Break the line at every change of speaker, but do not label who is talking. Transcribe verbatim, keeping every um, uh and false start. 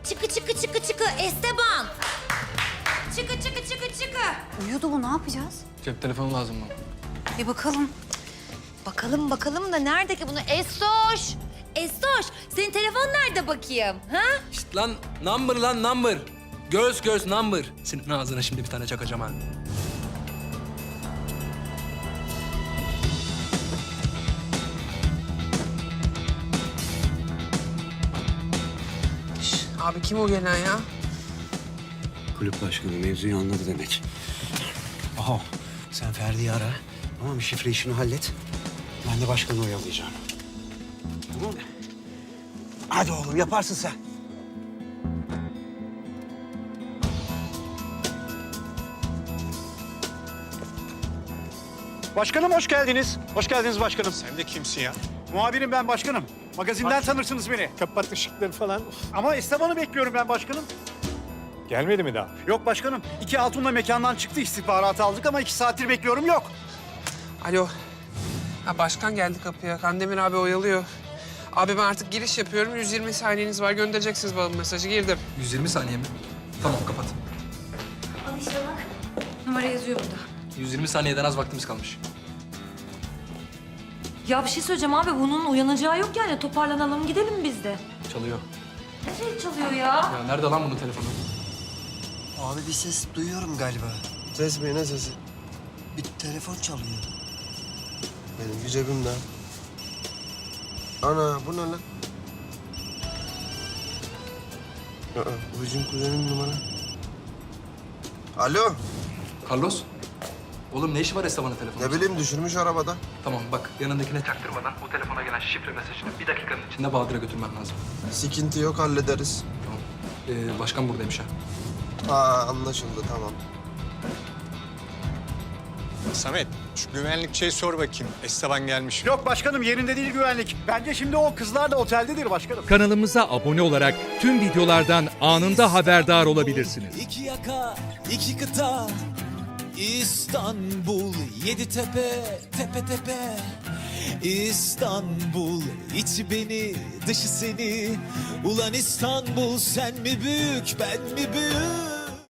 Çıkı çıkı çıkı çıkı Esteban. Çıkı çıkı çıkı çıkı.
Uyudu bu, ne yapacağız?
Cep telefonu lazım bana.
Bir bakalım.
Bakalım bakalım da nerede ki bunu? Estoş. Estoş senin telefon nerede bakayım? Ha?
Şişt lan number lan number. Göz göz number. Senin ağzına şimdi bir tane çakacağım ha.
Şş, abi kim o gelen ya?
Kulüp başkanı mevzuyu anladı demek. Aha, sen Ferdi'yi ara. Tamam mı? Şifre işini hallet. Ben de başkanı oyalayacağım. Tamam mı? Hadi oğlum, yaparsın sen.
Başkanım hoş geldiniz. Hoş geldiniz başkanım.
Sen de kimsin ya?
Muhabirim ben başkanım. Magazinden tanırsınız beni.
Kapat ışıkları falan.
Ama Esteban'ı bekliyorum ben başkanım.
Gelmedi mi daha?
Yok başkanım. İki hatunla mekandan çıktı, istihbaratı aldık ama iki saattir bekliyorum, yok.
Alo. Ha başkan geldi kapıya. Kandemir abi oyalıyor. Abi ben artık giriş yapıyorum. yüz yirmi saniyeniz var. Göndereceksiniz bana bu mesajı. Girdim.
yüz yirmi saniye mi? Tamam kapat.
Al işte bak. Numara yazıyor burada.
yüz yirmi saniyeden az vaktimiz kalmış.
Ya bir şey söyleyeceğim abi. Bunun uyanacağı yok yani. Toparlanalım gidelim biz de.
Çalıyor.
Ne şey çalıyor ya?
Ya nerede lan bunun telefonu?
Abi bir ses duyuyorum galiba.
Ses mi, ne sesi?
Bir telefon çalıyor.
Benim cebimde. Ana bu ne lan? Aa, bu bizim kuzenin numara. Alo,
Carlos? Oğlum ne işi var Esteban'ın telefonu?
ne bileyim düşürmüş arabada.
Tamam bak yanındakine çaktırmadan o telefona gelen şifre mesajını bir dakikanın içinde Bahadır'a götürmem lazım.
Sikinti yok, hallederiz.
Tamam. Ee, başkan buradaymış ha.
Aa, anlaşıldı, tamam.
Samet, şu güvenlikçiye sor bakayım. Esteban gelmiş.
Yok başkanım, yerinde değil güvenlik. Bence şimdi o kızlar da oteldedir başkanım.
Kanalımıza abone olarak tüm videolardan anında haberdar olabilirsiniz.
İki yaka, iki kıta, İstanbul, yedi tepe, tepe tepe. İstanbul, içi beni, dışı seni. Ulan İstanbul, sen mi büyük, ben mi büyük?